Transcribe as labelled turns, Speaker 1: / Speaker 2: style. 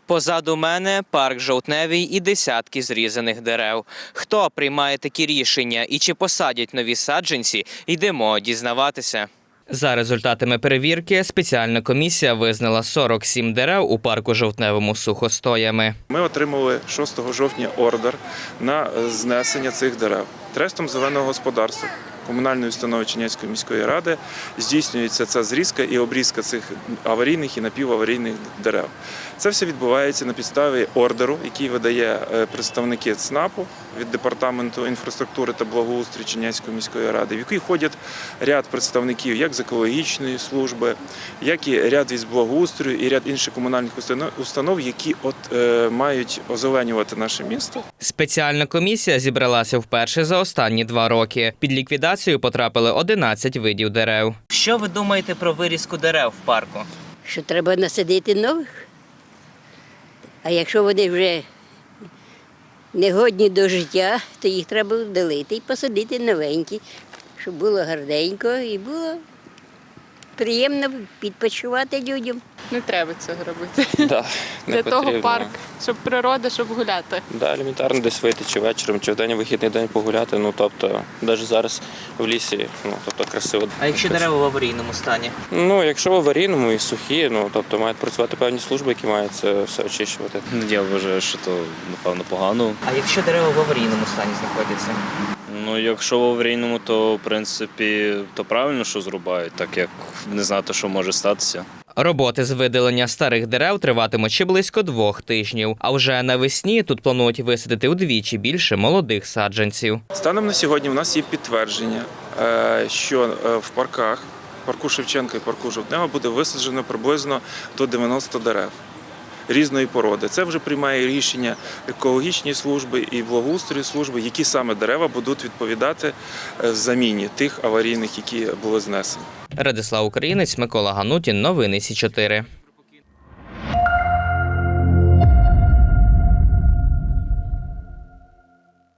Speaker 1: Позаду мене парк Жовтневий і десятки зрізаних дерев. Хто приймає такі рішення і чи посадять нові саджанці, йдемо дізнаватися. За результатами перевірки спеціальна комісія визнала 47 дерев у парку Жовтневому сухостоями.
Speaker 2: Ми отримали 6 жовтня ордер на знесення цих дерев. Трестом зеленого господарства комунальної установи Чернівецької міської ради здійснюється ця зрізка і обрізка цих аварійних і напіваварійних дерев. Це все відбувається на підставі ордеру, який видає представники ЦНАПу від Департаменту інфраструктури та благоустрою Чернівецької міської ради, в який входять ряд представників як з екологічної служби, як і ряд із благоустрою і ряд інших комунальних установ, які мають озеленювати наше місто.
Speaker 1: Спеціальна комісія зібралася вперше за останні 2 роки. Під ліквідацію потрапили 11 видів дерев. Що ви думаєте про вирізку дерев в парку?
Speaker 3: Що треба насадити нових. А якщо вони вже не годні до життя, то їх треба вдалити і посадити новенькі, щоб було гарненько і було приємно відпочивати людям.
Speaker 4: Не треба цього робити.
Speaker 5: Да,
Speaker 4: Для того парк, щоб природа, щоб гуляти.
Speaker 5: Да, елементарно десь вийти чи вечором, чи в день вихідний день погуляти. Ну, тобто, навіть зараз в лісі, красиво.
Speaker 1: А якщо дерева в аварійному стані?
Speaker 5: Ну, якщо в аварійному і сухі, тобто мають працювати певні служби, які мають це все очищувати.
Speaker 6: Я вважаю, що то, напевно, погано.
Speaker 1: А якщо дерева в аварійному стані знаходяться?
Speaker 6: Ну, якщо в аварійному, то, в принципі, то правильно, що зрубають, так як не знати, що може статися.
Speaker 1: Роботи з видалення старих дерев триватимуть ще близько 2 тижнів. А вже навесні тут планують висадити удвічі більше молодих саджанців.
Speaker 2: Станом на сьогодні у нас є підтвердження, що в парку Шевченка і парку Жовтнева буде висаджено приблизно до 90 дерев різної породи. Це вже приймає рішення екологічні служби і благоустрої служби, які саме дерева будуть відповідати заміні тих аварійних, які були знесені.
Speaker 1: Радислав Українець, Микола Ганутін. Новини Сі 4.